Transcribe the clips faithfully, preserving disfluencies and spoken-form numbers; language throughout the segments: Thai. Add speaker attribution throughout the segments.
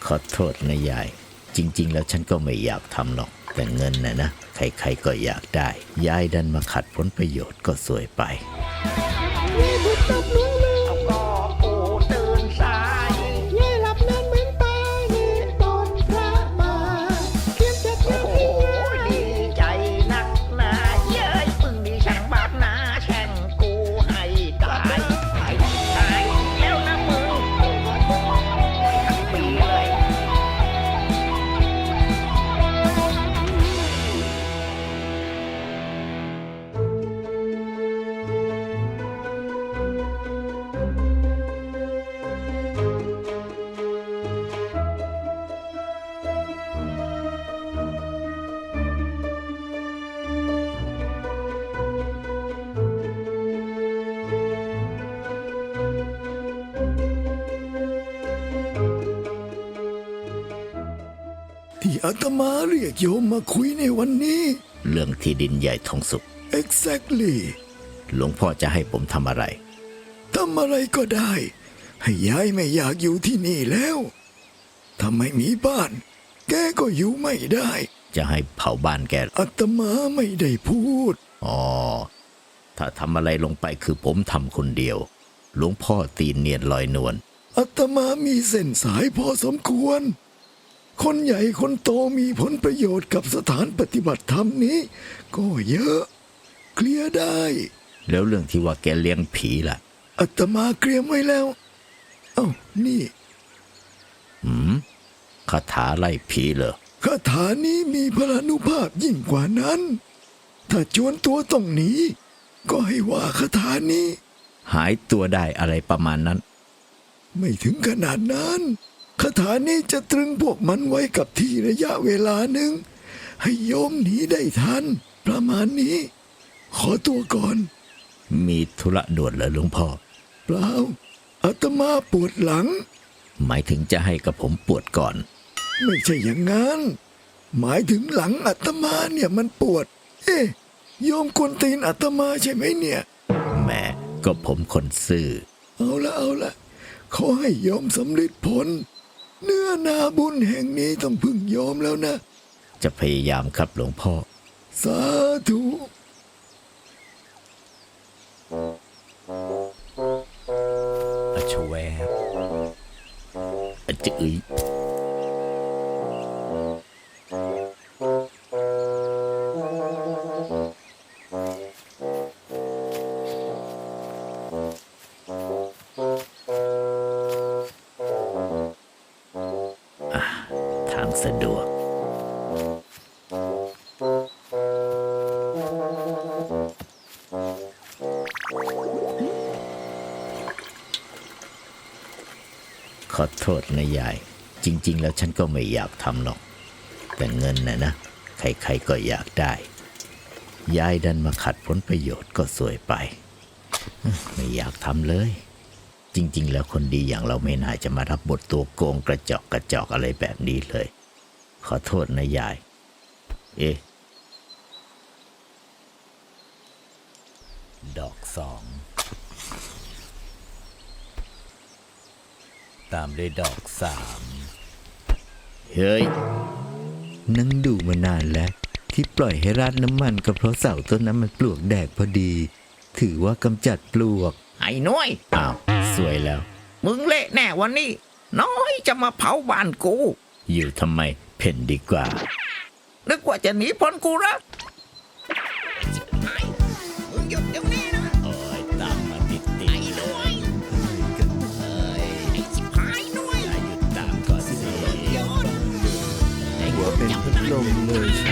Speaker 1: ขอโทษนะยายจริงๆแล้วฉันก็ไม่อยากทำหรอกแต่เงินนะนะใครๆก็อยากได้ยายดันมาขัดผลประโยชน์ก็สวยไป
Speaker 2: เอาก็ปูตื่นสายยายหลับนานเหมือนตายเห็นตอนพระมาเขียนเสร็จแล้วโอ้ดีใจนักหนาเย้ยพึ่งดีช่างบาปนาแช่งกูให้ตายตายตายแล้วนะมึงทั้งปีเลย
Speaker 3: ที่อาตมาเรียกโยมมาคุยในวันนี้
Speaker 1: เรื่องที่ดินใหญ่ทองสุก
Speaker 3: exactly
Speaker 1: หลวงพ่อจะให้ผมทำอะไร
Speaker 3: ทำอะไรก็ได้ ให้ยายไม่อยากอยู่ที่นี่แล้วถ้าไม่มีบ้าน แกก็อยู่ไม่ได้
Speaker 1: จะให้เผาบ้านแก
Speaker 3: อาตมาไม่ได้พูด
Speaker 1: อ๋อถ้าทำอะไรลงไปคือผมทำคนเดียวหลวงพ่อตีนเนียนลอยนวล
Speaker 3: อาตมามีเส้นสายพอสมควรคนใหญ่คนโตมีผลประโยชน์กับสถานปฏิบัติธรรมนี้ก็เยอะเคลียร์ได้
Speaker 1: แล้วเรื่องที่ว่าแกเลี้ยงผีล่ะ
Speaker 3: อาตมาเตรียมไว้แล้วเอ้านี่
Speaker 1: หืมคาถาไล่ผีเหรอ
Speaker 3: คาถานี้มีพลานุภาพยิ่งกว่านั้นถ้าจวนตัวต้องหนีก็ให้ว่าคาถานี้
Speaker 1: หายตัวได้อะไรประมาณนั้น
Speaker 3: ไม่ถึงขนาดนั้นคาถานี้จะตรึงพวกมันไว้กับที่ระยะเวลาหนึ่งให้โยมหนีได้ทันประมาณนี้ขอตัวก่อน
Speaker 1: มีธุระด่วนเหรอหลวงพ่อ
Speaker 3: เปล่าอาตมาปวดหลัง
Speaker 1: หมายถึงจะให้กับผมปวดก่อน
Speaker 3: ไม่ใช่อย่างนั้นหมายถึงหลังอาตมาเนี่ยมันปวดเอ๊ะโยมกวนตีนอาตมาใช่ไหมเนี่ย
Speaker 1: แม่ก็ผมคนซื่อ
Speaker 3: เอาละเอาละขอให้โยมสำเร็จผลเนื้อนาบุญแห่งนี้ต้องพึ่งโยมแล้วนะ
Speaker 1: จะพยายามครับหลวงพ่อ
Speaker 3: สาธุ
Speaker 1: อชแวบอจื้ยทางสะดวกขอโทษนะยายจริงๆแล้วฉันก็ไม่อยากทำหรอกแต่เงินนะนะใครๆก็อยากได้ยายดันมาขัดผลประโยชน์ก็สวยไปไม่อยากทำเลยจริงๆแล้วคนดีอย่างเราไม่น่าจะมารับบทตัวโกงกระจอกกระจอกอะไรแบบนี้เลยขอโทษนะยายเอ๊ะดอกสองตามด้วยดอกสามเฮ้ยนั่งดูมานานแล้วที่ปล่อยให้ราดน้ำมันก็เพราะเสาต้นนั้นมันปลวกแดกพอดีถือว่ากำจัดปลวก
Speaker 2: ไอ้น้อย
Speaker 1: อ้าวสวยแล้ว
Speaker 2: มึงเละแน่วันนี้น้อยจะมาเผาบ้านกู
Speaker 1: อยู่ทำไมเพ่นดีกว่า
Speaker 2: นึกว่าจะหนีพ้นกูละมึงหยุดเดี๋ยวนี้นะ
Speaker 1: โอ้ยตามมาติดติด
Speaker 2: ไอ้น้อยเอ้ยไอ้ชิบหายน้อย
Speaker 1: หยุดตามก่อนสิ
Speaker 2: ไอ้หัว
Speaker 3: เป็นพัดลมเลยใช่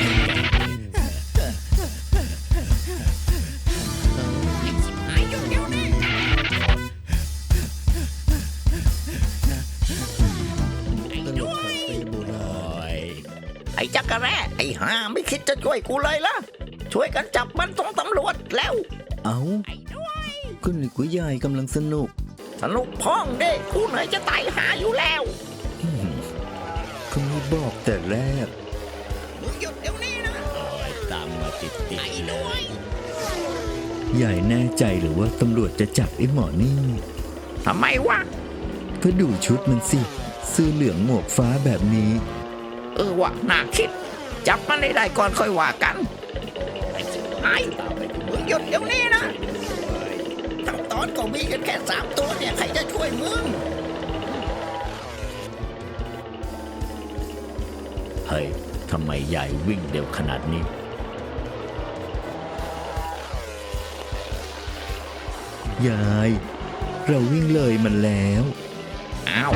Speaker 2: ไอ้จักรแร่ไอ้ห่าไม่คิดจะช่วยกูเลยล่ะช่วยกันจับมันส่งตำรวจแล้ว
Speaker 1: เอาก็นึกว่ายายกำลังสนุก
Speaker 2: สนุกพ้องเด้กูเหนื่อยจะตายหาอยู่แล้ว
Speaker 1: ก็ไม่บอกแต่แรก
Speaker 2: มึงหยุดเดี๋ยวนี้นะ
Speaker 1: โอ้ยตามมาติดติด
Speaker 2: ไอ้ด้วย
Speaker 1: ยายแน่ใจหรือว่าตำรวจจะจับไอ้หมอนี่
Speaker 2: ทำไมวะ
Speaker 1: ก็ดูชุดมันสิเสื้อเหลืองหมวกฟ้าแบบนี้
Speaker 2: เออว่ะน่าคิด จับมันได้ได้ก่อนค่อยว่ากันไอ้สิไอ้มึงหยุดเดี๋ยวนี้นะทั้งตอนก็มีกันแค่สามตัวเนี่ยใครจะช่วยมึง
Speaker 1: เฮ้ยทำไมยายวิ่งเร็วขนาดนี้ ยาย เราวิ่งเลยมันแล้ว
Speaker 2: อ้าว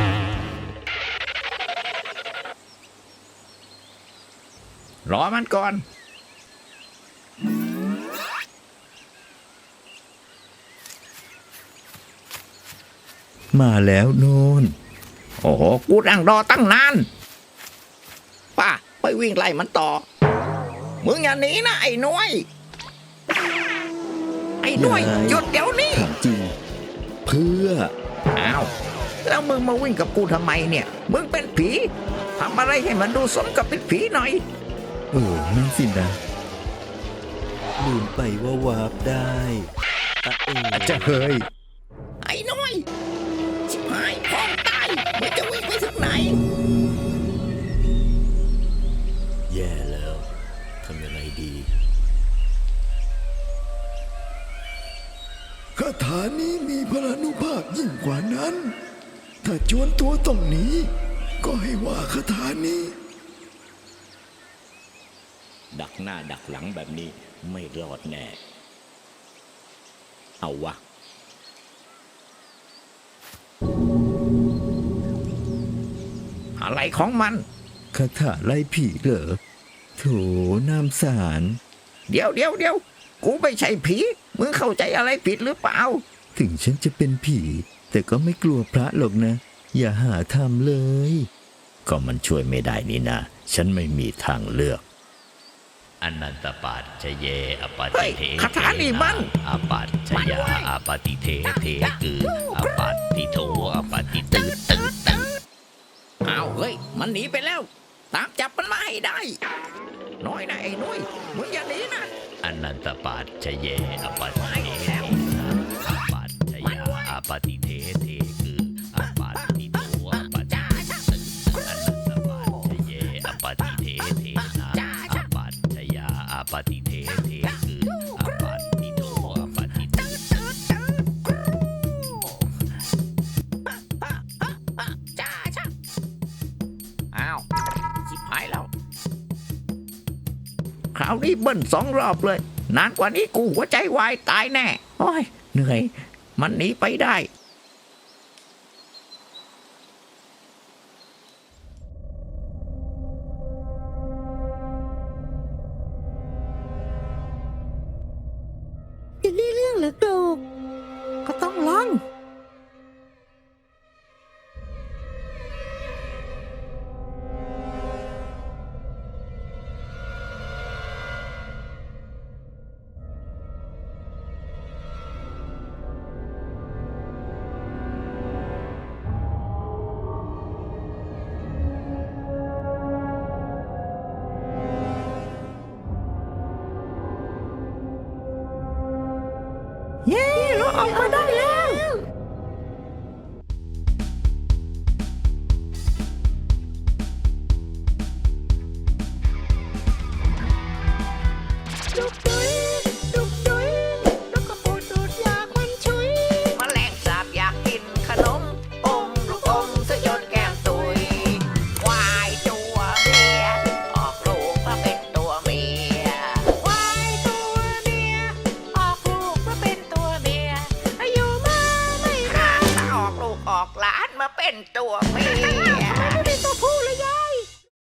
Speaker 2: รอมันก่อน
Speaker 1: มาแล้วโน่น
Speaker 2: โอ้โห กูนั่งรอตั้งนาน ป้า ไปวิ่งไล่มันต่อ มึงอย่าหนีนะไอ้หน้วย ไอ้หน้วย
Speaker 1: ยาย
Speaker 2: หยุดเดี๋ยวนี้
Speaker 1: ถามจริง เพื่อ
Speaker 2: อ้าว แล้วมึงมาวิ่งกับกูทำไมเนี่ย มึงเป็นผีทำอะไรให้มันดูสมกับเป็นผีหน่อย
Speaker 1: เออนั่นสินะลืมไปว่าวาร์ปได้อะเอออาจจะเฮ้ย
Speaker 2: ไอ้หน้อย ชิบหายพร้อมตาย มึงจะวิ่งไปถึงไหน
Speaker 1: แย่แล้วทำยังไงดี
Speaker 3: คาถานี้มีพลานุภาพยิ่งกว่านั้น ถ้าจวนตัวต้องหนีก็ให้ว่าคาถานี้
Speaker 1: ดักหน้าดักหลังแบบนี้ไม่รอดแน่ เอาวะ
Speaker 2: อะไรของมัน
Speaker 1: คาถาไล่ผีเหรอโถน้ำสาร
Speaker 2: เดี๋ยวเดี๋ยวเดี๋ยวกูไม่ใช่ผี มึงเข้าใจอะไรผิดหรือเปล่า
Speaker 1: ถึงฉันจะเป็นผี แต่ก็ไม่กลัวพระหรอกนะ อย่าหาทำเลย ก็มันช่วยไม่ได้นี่นะ ฉันไม่มีทางเลือกอนันตปัจจเยอปาติเท
Speaker 2: เฮ้ยคาถานี่มัน
Speaker 1: อปัจจยาอปาติเทเทคืออปัตติโทอปาติตืดตืดตืด
Speaker 2: อ้าวเฮ้ย มันหนีไปแล้ว ตามจับมันมาให้ได้ น้อยนะไอ้น้อย มึงอย่าหนีนะ
Speaker 1: อนันตปัจจเยอปาติเทเทนะอปัจจยาอปาติเทเทคืออปัตติโทอปาติตืดตืดอนันตปัจจเยอปาติเทเทนะอปัจจยาอปาติเทเทคืออปัตติโทอปาติตืดตืด
Speaker 2: อ้าวชิบหายแล้ว คราวนี้เบิ้ลสองรอบเลย นานกว่านี้กูหัวใจวายตายแน่ โอ้ย เหนื่อย มันหนีไปได้
Speaker 4: จะได้เรื่องเหรือโกรกก็ต้องลอง เย้เราออกมาได้แล้ว ดุกดุยดุกดุยดุกกระปูดดูดยาควันชุย
Speaker 2: แมลงสาบอยากกินขนม อมลูกอมสยดแก้มตุย ควายตัวเมีย ออกลูกมาเป็นตัวเมีย
Speaker 4: ควายตัวเมีย ออกลูกมาเป็นตัวเมีย อายุมาไม่นาน
Speaker 2: ถ้าออกลูกออกหลานมาเป็นตัวเมีย
Speaker 4: ไม่ได้ตัวผู้เลยยา